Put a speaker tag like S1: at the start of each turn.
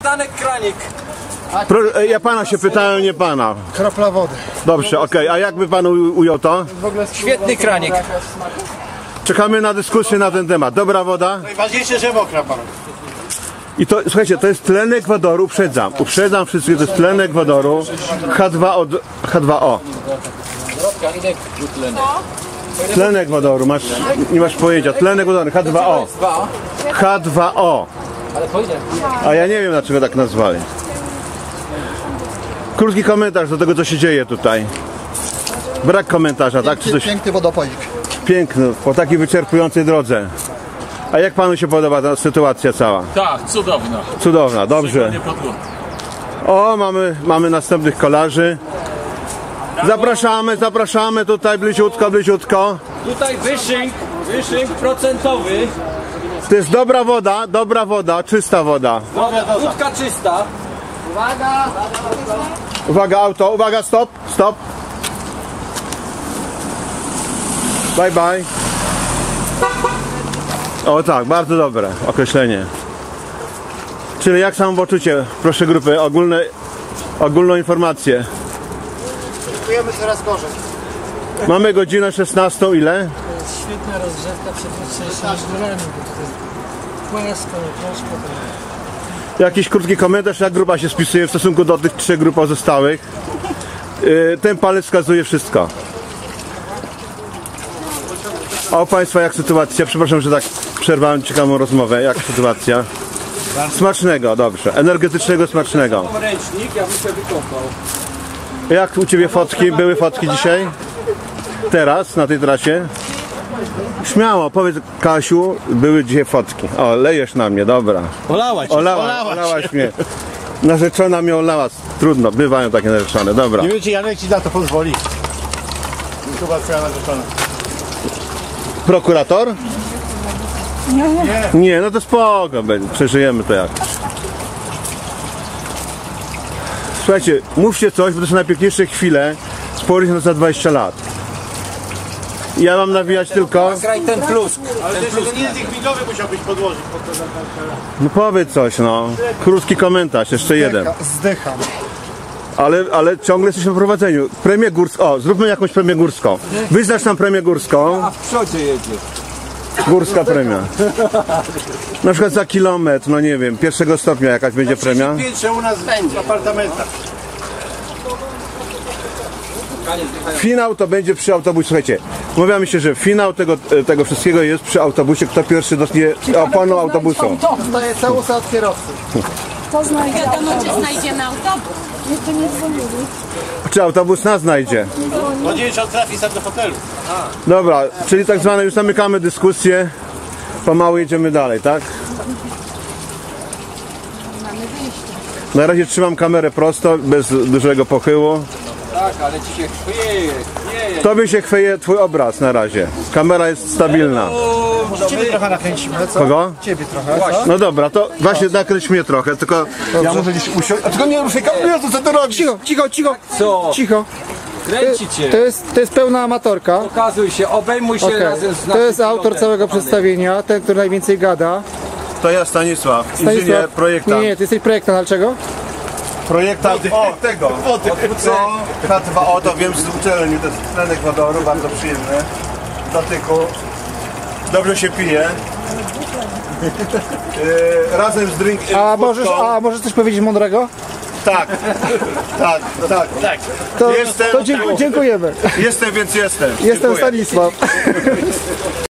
S1: Danek kranik.
S2: Ja pana się pytałem, nie pana.
S3: Kropla wody.
S2: Dobrze, okej. A jakby pan ujął to?
S1: Świetny kranik.
S2: Czekamy na dyskusję na ten temat. Dobra woda?
S3: Najważniejsze, że mokra pan.
S2: I to, słuchajcie, to jest tlen Ekwadoru, uprzedzam wszystkich, to jest tlen Ekwadoru H2O. Tlen Ekwadoru, nie masz pojęcia, tlen Ekwadoru, H2O. H2O. A ja nie wiem, dlaczego tak nazwali. Krótki komentarz do tego, co się dzieje tutaj. Brak komentarza, tak? Czy coś...
S3: Piękny wodopoik.
S2: Piękny, po takiej wyczerpującej drodze. A jak panu się podoba ta sytuacja cała?
S4: Tak, cudowna.
S2: Cudowna, dobrze. O, mamy następnych kolarzy. Zapraszamy tutaj bliziutko.
S1: Tutaj wyszynk procentowy.
S2: To jest dobra woda, czysta woda.
S1: Wódka czysta.
S2: Uwaga, auto, uwaga, stop. Bye. O tak, bardzo dobre określenie. Czyli jak samopoczucie? Proszę grupy, ogólną informację.
S3: Czujemy coraz gorzej.
S2: Mamy godzinę 16, ile?
S5: To jest świetna rozgrzewka przed jutrzejszymi górami, bo to jest płasko, troszkę.
S2: Jakiś krótki komentarz, jak grupa się spisuje w stosunku do tych 3 grup pozostałych. Ten palec wskazuje wszystko. A u państwa jak sytuacja? Przepraszam, że tak przerwałem ciekawą rozmowę. Jak sytuacja? Smacznego, dobrze. Energetycznego, smacznego.
S1: Ręcznik, ja bym się wykąpał.
S2: Jak u ciebie fotki? Były fotki dzisiaj? Teraz, na tej trasie? Śmiało, powiedz Kasiu, były dzisiaj fotki. O, lejesz na mnie, dobra. Olałaś mnie. Narzeczona mnie olała. Trudno, bywają takie narzeczone, dobra.
S3: Nie wiem, czy Janek ci na to pozwoli. Chyba twoja narzeczona.
S2: Prokurator? Nie, no to spoko, przeżyjemy to jak. Słuchajcie, mówcie coś, bo to są najpiękniejsze chwile sporych za 20 lat. Ja mam nawijać tylko...
S1: Graj ten plusk.
S3: Ale ten język widowy musiałbyś podłożyć.
S2: No powiedz coś, no. Krótki komentarz, jeszcze jeden.
S3: Zdycham.
S2: Ale ciągle jesteśmy na prowadzeniu. Premię górską. O, zróbmy jakąś premię górską. Wyznacz nam premię górską.
S1: A w przodzie jedzie.
S2: Górska premia. Na przykład za kilometr, no nie wiem, 1. stopnia jakaś będzie premia.
S3: Piętrze u nas w apartamentach.
S2: Finał to będzie przy autobusie. Słuchajcie, umawiamy się, że finał tego wszystkiego jest przy autobusie. Kto pierwszy dotknie oponą autobusu.
S3: To jest całusa od kierowcy.
S6: Wiadomo, czy znajdziemy autobus.
S5: Jeszcze nie dzwonili.
S2: Czy autobus nas znajdzie?
S3: No nie wiem, czy on trafi sam do hotelu.
S2: Dobra, czyli tak zwane już zamykamy dyskusję. Pomału jedziemy dalej, tak? Na razie trzymam kamerę prosto, bez dużego pochyłu.
S1: Tak, ale ci się chwieje.
S2: Tobie się chwieje twój obraz na razie. Kamera jest stabilna.
S3: Ciebie trochę nakręcimy, co?
S2: Kogo?
S3: Ciebie trochę, co?
S2: No dobra, to właśnie nakręć mnie trochę, tylko ja muszę gdzieś usiąść. A tylko nie ruszaj kamerę, co ty robisz?
S3: Cicho.
S1: Co?
S3: Cicho.
S1: Kręci cię.
S3: To jest pełna amatorka.
S1: Pokazuj się, obejmuj się razem z
S3: To jest
S1: naszym
S3: autor
S1: pilotem.
S3: całego przedstawienia, ten, który najwięcej gada.
S2: To ja Stanisław, inżynier, projektant.
S3: Nie, ty jesteś projektant, ale czego?
S2: Projektant tego. H2O, to wiem z uczelni, to jest tlen Ekwadoru, bardzo przyjemny. W dotyku. Dobrze się pije. Razem z drinkiem.
S3: A możesz coś powiedzieć mądrego?
S2: Tak.
S3: To
S2: Jestem.
S3: dziękujemy.
S2: Jestem, więc jestem.
S3: Jestem
S2: Dziękuję.
S3: Stanisław.